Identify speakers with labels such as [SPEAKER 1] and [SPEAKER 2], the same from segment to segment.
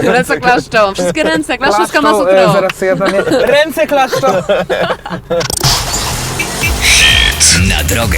[SPEAKER 1] Ręce klaszczą, wszystkie ręce klaszczą z Kama Sutrą.
[SPEAKER 2] Zaraz sobie ja tam ręce klaszczą!
[SPEAKER 3] Na drogę.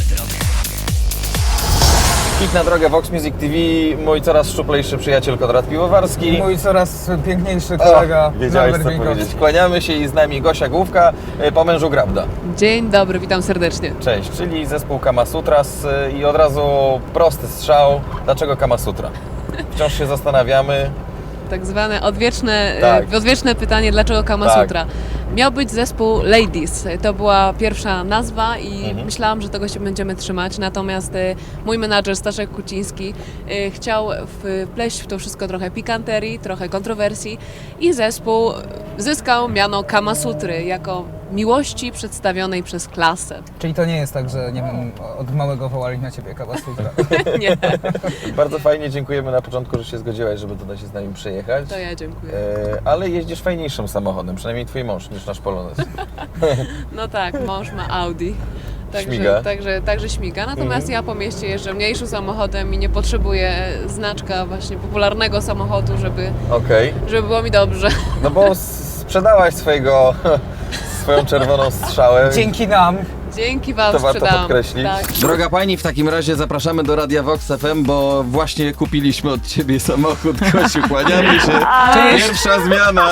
[SPEAKER 4] Hit na drogę Vox Music TV, mój coraz szczuplejszy przyjaciel Konrad Piwowarski.
[SPEAKER 2] Mój coraz piękniejszy kolega
[SPEAKER 4] Wiedziałeś
[SPEAKER 2] Norbert
[SPEAKER 4] co
[SPEAKER 2] Wieńkowski.
[SPEAKER 4] powiedzieć. Kłaniamy się i z nami Gosia Główka, po mężu Grabda.
[SPEAKER 1] Dzień dobry, witam serdecznie.
[SPEAKER 4] Cześć, czyli zespół Kama Sutras i od razu prosty strzał. Dlaczego Kama Sutra? Wciąż się zastanawiamy.
[SPEAKER 1] Tak zwane odwieczne pytanie, dlaczego Kama
[SPEAKER 4] Tak.
[SPEAKER 1] Sutra? Miał być zespół Ladies, to była pierwsza nazwa i myślałam, że tego się będziemy trzymać, natomiast mój menadżer Staszek Kuciński chciał wpleść w to wszystko trochę pikanterii, trochę kontrowersji i zespół zyskał miano Kama Sutry jako miłości przedstawionej przez klasę.
[SPEAKER 2] Czyli to nie jest tak, że nie wiem, od małego wołali na ciebie Kama Sutra.
[SPEAKER 1] Nie,
[SPEAKER 4] Bardzo fajnie, dziękujemy na początku, że się zgodziłaś, żeby tutaj się z nami przyjechać.
[SPEAKER 1] to ja dziękuję.
[SPEAKER 4] Ale jeździsz fajniejszym samochodem, przynajmniej twój mąż, niż nasz Polonez.
[SPEAKER 1] No tak, mąż ma Audi.
[SPEAKER 4] Śmiga.
[SPEAKER 1] Także śmiga. Natomiast ja po mieście jeżdżę mniejszym samochodem i nie potrzebuję znaczka właśnie popularnego samochodu, żeby
[SPEAKER 4] Okej.
[SPEAKER 1] było mi dobrze.
[SPEAKER 4] No bo sprzedałaś swoją czerwoną strzałę.
[SPEAKER 2] Dzięki nam.
[SPEAKER 1] Dzięki Wam
[SPEAKER 4] To warto
[SPEAKER 1] sprzedałam.
[SPEAKER 4] podkreślić.
[SPEAKER 1] Tak.
[SPEAKER 4] Droga Pani, w takim razie zapraszamy do Radia Vox FM, bo właśnie kupiliśmy od Ciebie samochód. Kosiu, kłaniamy się.
[SPEAKER 2] Cześć.
[SPEAKER 4] Pierwsza zmiana.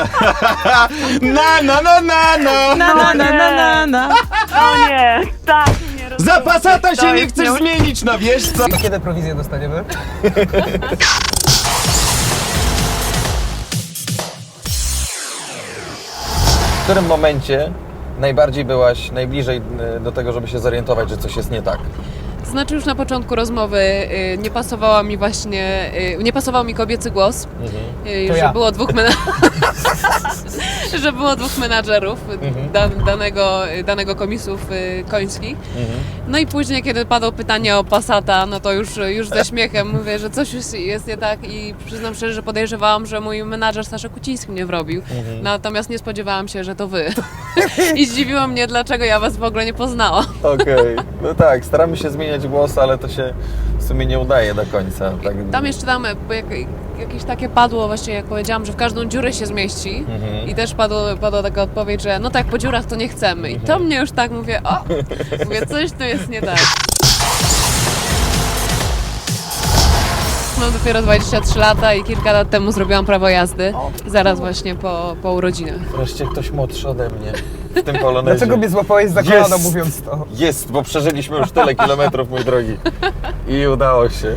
[SPEAKER 4] Na.
[SPEAKER 5] O nie, tak, nie rozumiem.
[SPEAKER 4] Za Passata się
[SPEAKER 5] To
[SPEAKER 4] nie
[SPEAKER 5] jest
[SPEAKER 4] chcesz zmienić, no wiesz co?
[SPEAKER 2] To kiedy prowizję dostaniemy?
[SPEAKER 4] W którym momencie najbardziej byłaś najbliżej do tego, żeby się zorientować, że coś jest nie tak?
[SPEAKER 1] To znaczy już na początku rozmowy nie pasował mi kobiecy głos,
[SPEAKER 2] To
[SPEAKER 1] że
[SPEAKER 2] ja.
[SPEAKER 1] było że było dwóch menadżerów danego komisów końskich. No i później, kiedy padło pytanie o Passata, no to już ze śmiechem mówię, że coś jest nie tak i przyznam szczerze, że podejrzewałam, że mój menadżer Staszek Kuciński mnie wrobił. Natomiast nie spodziewałam się, że to wy. I zdziwiło mnie, dlaczego ja was w ogóle nie poznałam.
[SPEAKER 4] Okej. No tak, staramy się zmieniać głos, ale to się w sumie nie udaje do końca. Tak.
[SPEAKER 1] Tam jeszcze jakieś takie padło właśnie, jak powiedziałam, że w każdą dziurę się zmieści i też padła taka odpowiedź, że no tak, po dziurach to nie chcemy. I to mnie już tak mówię, coś tu jest nie tak. Mam dopiero 23 lata i kilka lat temu zrobiłam prawo jazdy, zaraz właśnie po urodzinach.
[SPEAKER 4] Wreszcie ktoś młodszy ode mnie w tym Polonezie.
[SPEAKER 2] Dlaczego mnie złapałeś za kolano,
[SPEAKER 4] Jest.
[SPEAKER 2] mówiąc to?
[SPEAKER 4] Jest, bo przeżyliśmy już tyle kilometrów, mój drogi. I udało się.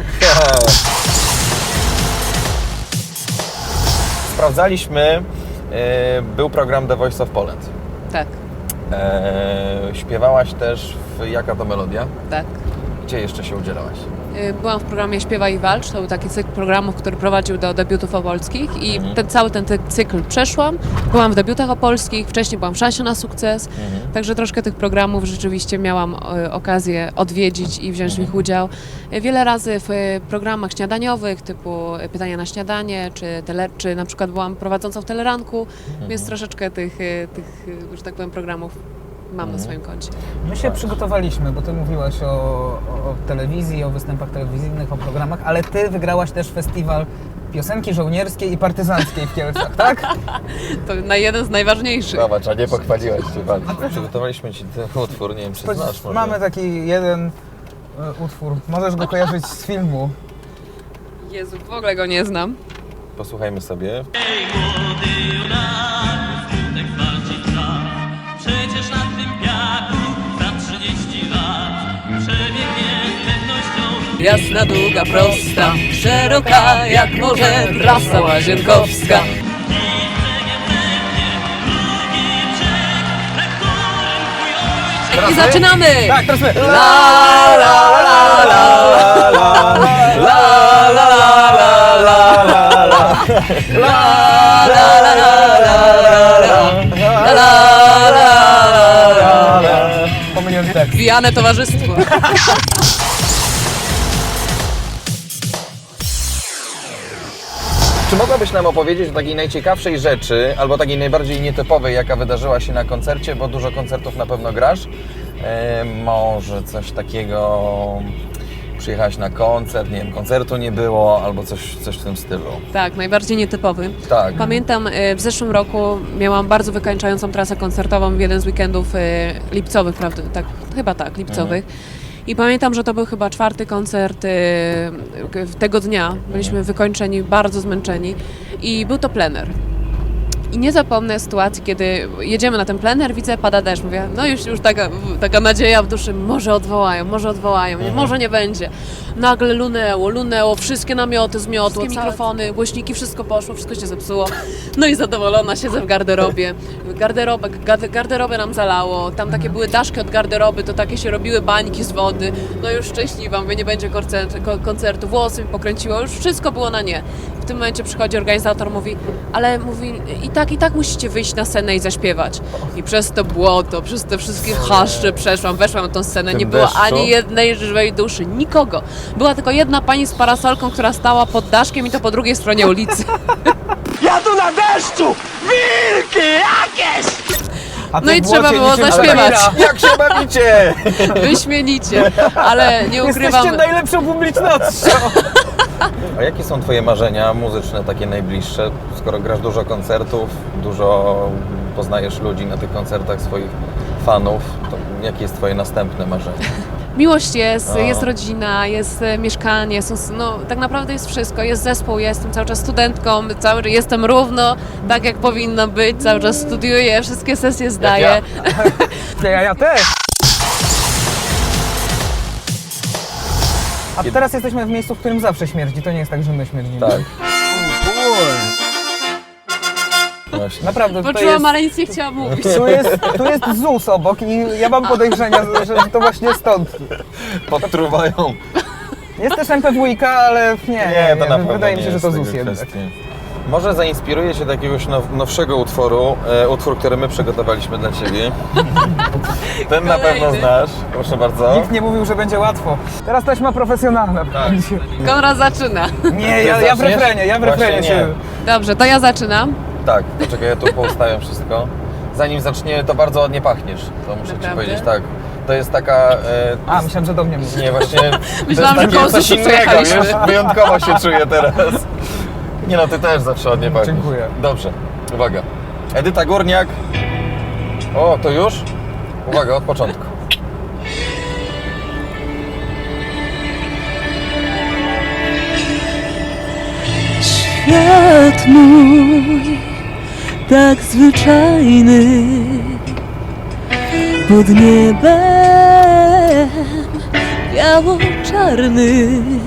[SPEAKER 4] Sprawdzaliśmy, był program The Voice of Poland.
[SPEAKER 1] Tak,
[SPEAKER 4] Śpiewałaś też w Jaka to melodia?
[SPEAKER 1] tak.
[SPEAKER 4] Gdzie jeszcze się udzielałaś?
[SPEAKER 1] Byłam w programie Śpiewaj i Walcz, to był taki cykl programów, który prowadził do debiutów opolskich i cały ten cykl przeszłam. Byłam w debiutach opolskich, wcześniej byłam w Szansie na sukces, także troszkę tych programów rzeczywiście miałam okazję odwiedzić i wziąć w nich udział. Wiele razy w programach śniadaniowych typu Pytania na śniadanie, czy na przykład byłam prowadzącą w Teleranku, więc troszeczkę tych, że tak powiem, programów mam na swoim koncie.
[SPEAKER 2] My się przygotowaliśmy, bo ty mówiłaś o telewizji, o występach telewizyjnych, o programach, ale ty wygrałaś też festiwal piosenki żołnierskiej i partyzanckiej w Kielcach, tak?
[SPEAKER 1] To na jeden z najważniejszych.
[SPEAKER 4] Zobacz, a nie pochwaliłaś się bardzo. Przygotowaliśmy Ci ten utwór, nie wiem, czy znasz może.
[SPEAKER 2] Mamy taki jeden utwór, możesz go kojarzyć z filmu.
[SPEAKER 1] Jezu, w ogóle go nie znam.
[SPEAKER 4] Posłuchajmy sobie.
[SPEAKER 6] Przecież na tym piaku za 30 lat przebiegnie pewnością.
[SPEAKER 1] Jasna, długa, prosta, szeroka jak morze, trasa łazienkowska. I zaczynamy!
[SPEAKER 2] Tak, teraz my.
[SPEAKER 1] La la la la la la la la
[SPEAKER 2] Pomyliłem tekst.
[SPEAKER 1] Pijane towarzystwo.
[SPEAKER 4] Czy mogłabyś nam opowiedzieć o takiej najciekawszej rzeczy, albo takiej najbardziej nietypowej, jaka wydarzyła się na koncercie, bo dużo koncertów na pewno grasz? Może coś takiego przyjechałaś na koncert, nie wiem, koncertu nie było, albo coś w tym stylu.
[SPEAKER 1] Tak, najbardziej nietypowy.
[SPEAKER 4] Tak.
[SPEAKER 1] Pamiętam, w zeszłym roku miałam bardzo wykańczającą trasę koncertową w jeden z weekendów lipcowych, prawda? Tak, chyba tak, lipcowych. I pamiętam, że to był chyba 4. koncert tego dnia. Byliśmy wykończeni, bardzo zmęczeni i był to plener. I nie zapomnę sytuacji, kiedy jedziemy na ten plener, widzę, pada deszcz. Mówię, no już taka nadzieja w duszy, może odwołają, może nie będzie. Nagle lunęło, wszystkie namioty zmiotło, mikrofony, głośniki, wszystko poszło, wszystko się zepsuło. No i zadowolona siedzę w garderobie. Garderobę nam zalało, tam takie były daszki od garderoby, to takie się robiły bańki z wody. No już szczęśliwa, mówię, nie będzie koncertu, włosy mi pokręciło, już wszystko było na nie. W tym momencie przychodzi organizator, mówi, i tak musicie wyjść na scenę i zaśpiewać. I przez to błoto, przez te wszystkie chaszcze weszłam na tą scenę, nie było
[SPEAKER 4] deszczu?
[SPEAKER 1] ani jednej żywej duszy, nikogo. Była tylko jedna pani z parasolką, która stała pod daszkiem i to po drugiej stronie ulicy.
[SPEAKER 7] Ja tu na deszczu! Wilki jakieś!
[SPEAKER 2] A ty
[SPEAKER 1] No i
[SPEAKER 2] w
[SPEAKER 1] trzeba
[SPEAKER 2] błocie
[SPEAKER 1] było
[SPEAKER 2] niczym
[SPEAKER 1] zaśpiewać.
[SPEAKER 2] Shakira.
[SPEAKER 4] Jak się bawicie?
[SPEAKER 1] Wyśmienicie, ale nie ukrywam.
[SPEAKER 2] Jesteście najlepszą publicznością.
[SPEAKER 4] A jakie są Twoje marzenia muzyczne, takie najbliższe? Skoro grasz dużo koncertów, dużo poznajesz ludzi na tych koncertach, swoich fanów, to jakie jest Twoje następne marzenie?
[SPEAKER 1] Miłość jest rodzina, jest mieszkanie, tak naprawdę jest wszystko, jest zespół, jestem cały czas studentką, jestem równo tak jak powinno być, cały czas studiuję, wszystkie sesje zdaję.
[SPEAKER 2] Ja też. A teraz jesteśmy w miejscu, w którym zawsze śmierdzi. To nie jest tak, że my śmierdzimy.
[SPEAKER 4] Tak. Właśnie.
[SPEAKER 2] Naprawdę, tutaj
[SPEAKER 1] Poczułam,
[SPEAKER 2] jest,
[SPEAKER 1] ale nic nie chciałam mówić.
[SPEAKER 2] tu jest ZUS obok i ja mam podejrzenia, że to właśnie stąd.
[SPEAKER 4] Podtruwają.
[SPEAKER 2] Jest też MPWiK, ale nie,
[SPEAKER 4] to na pewno
[SPEAKER 2] wydaje mi
[SPEAKER 4] nie
[SPEAKER 2] się, że
[SPEAKER 4] jest
[SPEAKER 2] to
[SPEAKER 4] tego
[SPEAKER 2] ZUS jednak.
[SPEAKER 4] kwestii. Może zainspiruję się do jakiegoś nowszego utworu, utwór, który my przygotowaliśmy dla Ciebie. Ten na pewno
[SPEAKER 1] Kolejny.
[SPEAKER 4] znasz, proszę bardzo.
[SPEAKER 2] Nikt nie mówił, że będzie łatwo. Teraz taśma profesjonalna.
[SPEAKER 4] Tak.
[SPEAKER 1] Konrad zaczyna.
[SPEAKER 2] Nie, ja w refrenie,
[SPEAKER 4] Właśnie
[SPEAKER 2] się...
[SPEAKER 1] Dobrze, to ja zaczynam.
[SPEAKER 4] Tak, poczekaj, ja tu poustawiam wszystko. Zanim zacznie, to bardzo ładnie pachniesz, to muszę Ci
[SPEAKER 1] Naprawdę?
[SPEAKER 4] powiedzieć, tak. To jest taka...
[SPEAKER 2] A, myślałem, że do mnie mówisz.
[SPEAKER 4] Nie, właśnie...
[SPEAKER 1] Myślałam,
[SPEAKER 4] to jest
[SPEAKER 1] że
[SPEAKER 4] takie
[SPEAKER 1] po
[SPEAKER 4] coś
[SPEAKER 1] ZUS-u
[SPEAKER 4] innego,
[SPEAKER 1] przejechaliśmy.
[SPEAKER 4] wiesz? Wyjątkowo się czuję teraz. Nie no, Ty też zawsze ładnie pachniesz.
[SPEAKER 2] Dziękuję.
[SPEAKER 4] Dobrze, uwaga. Edyta Górniak. O, to już? Uwaga, od początku.
[SPEAKER 8] Świat mój, tak zwyczajny, pod niebem biało-czarnym.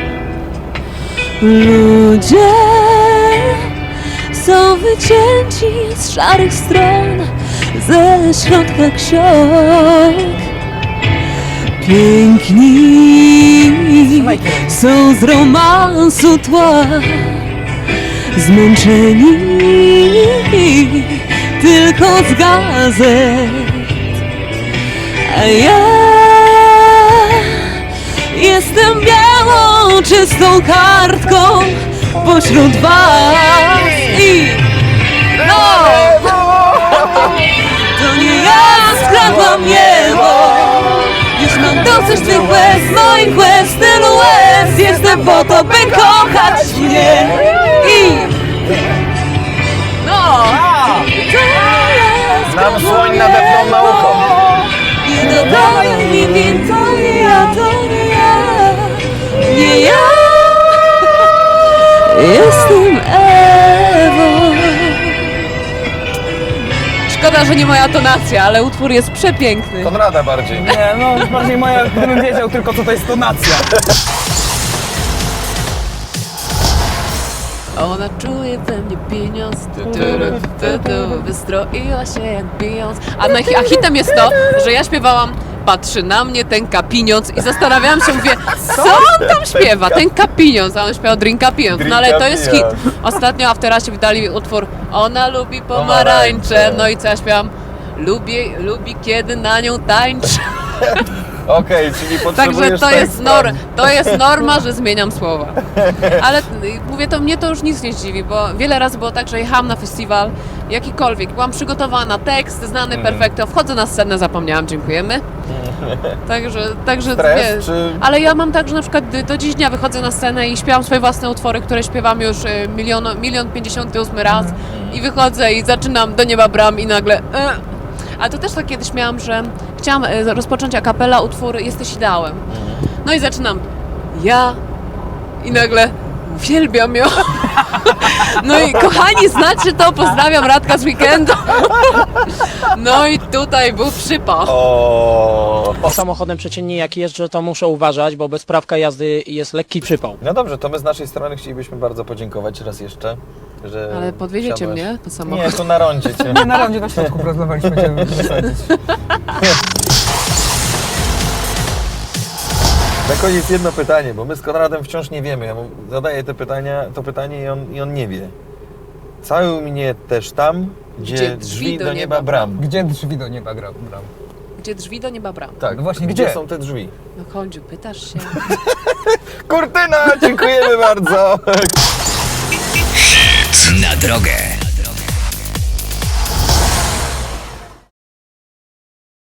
[SPEAKER 8] Ludzie są wycięci z szarych stron, ze środka ksiąg. Piękni są z romansu tła, zmęczeni tylko z gazet, a ja jestem białą, czystą kartką pośród was i no, to nie ja skradłam niebo. Już mam dosyć tych łez, moich łez, tylu łez. Jestem po to, by kochać mnie. I no, to ja
[SPEAKER 4] Nam
[SPEAKER 8] skradłam
[SPEAKER 4] słoń nadepnął na ucho.
[SPEAKER 8] nie dodawaj mi win, to nie ja, to nie ja. Nie ja. Jestem Ewą.
[SPEAKER 1] Szkoda, że nie moja tonacja, ale utwór jest przepiękny.
[SPEAKER 4] Konrada bardziej.
[SPEAKER 2] Nie, no bardziej moja, gdybym wiedział tylko, co to jest tonacja.
[SPEAKER 1] Ona czuje we mnie pieniądz, wystroiła się jak Beyoncé. A hitem jest to, że ja śpiewałam patrzy na mnie ten pieniądz i zastanawiałam się, mówię, co on tam śpiewa, ten pieniądz, a on śpiewał Drinka pieniądz, no ale to jest hit.
[SPEAKER 4] Pieniądz.
[SPEAKER 1] Ostatnio Afterasie wydali utwór Ona lubi pomarańcze, no i co ja śpiewam? Lubi kiedy na nią tańczę.
[SPEAKER 4] Okej, czyli potrzebujesz
[SPEAKER 1] Także
[SPEAKER 4] tekst,
[SPEAKER 1] to jest norma, że zmieniam słowa. Ale mówię, to mnie to już nic nie zdziwi, bo wiele razy było tak, że jechałam na festiwal, jakikolwiek, byłam przygotowana, tekst znany, perfekto, wchodzę na scenę, zapomniałam, dziękujemy. Także
[SPEAKER 4] Stres,
[SPEAKER 1] wiesz,
[SPEAKER 4] czy-
[SPEAKER 1] ale ja mam tak, że na przykład do dziś dnia wychodzę na scenę i śpiewam swoje własne utwory, które śpiewam już 1,058 raz i wychodzę i zaczynam Do nieba bram i nagle A to też tak kiedyś miałam, że chciałam rozpocząć a cappella utwór Jesteś ideałem. No i zaczynam ja i nagle uwielbiam ją. No i kochani, znacie to, pozdrawiam Radka z weekendu. No i tutaj był przypał.
[SPEAKER 9] Samochodem przeciętnie jak jeżdżę, to muszę uważać, bo bez prawka jazdy jest lekki przypał.
[SPEAKER 4] No dobrze, to my z naszej strony chcielibyśmy bardzo podziękować raz jeszcze, że
[SPEAKER 1] Ale podwieziecie
[SPEAKER 4] wsiadłaś.
[SPEAKER 1] mnie po samochodzie?
[SPEAKER 4] Nie, tu na rondzie cię.
[SPEAKER 2] Nie, na rondzie na środku próbowaliśmy Cię wysadzić.
[SPEAKER 4] Na koniec jedno pytanie, bo my z Konradem wciąż nie wiemy. Ja mu zadaję to pytanie i on nie wie. Całuj mnie też tam, gdzie drzwi do nieba bram.
[SPEAKER 2] Gdzie drzwi do nieba bram?
[SPEAKER 1] Gdzie drzwi do nieba bram?
[SPEAKER 4] Tak,
[SPEAKER 2] No właśnie,
[SPEAKER 4] gdzie
[SPEAKER 2] gdzie?
[SPEAKER 4] są te drzwi?
[SPEAKER 1] No Kondziu, pytasz się.
[SPEAKER 4] Kurtyna, dziękujemy bardzo.
[SPEAKER 3] Hit na drogę.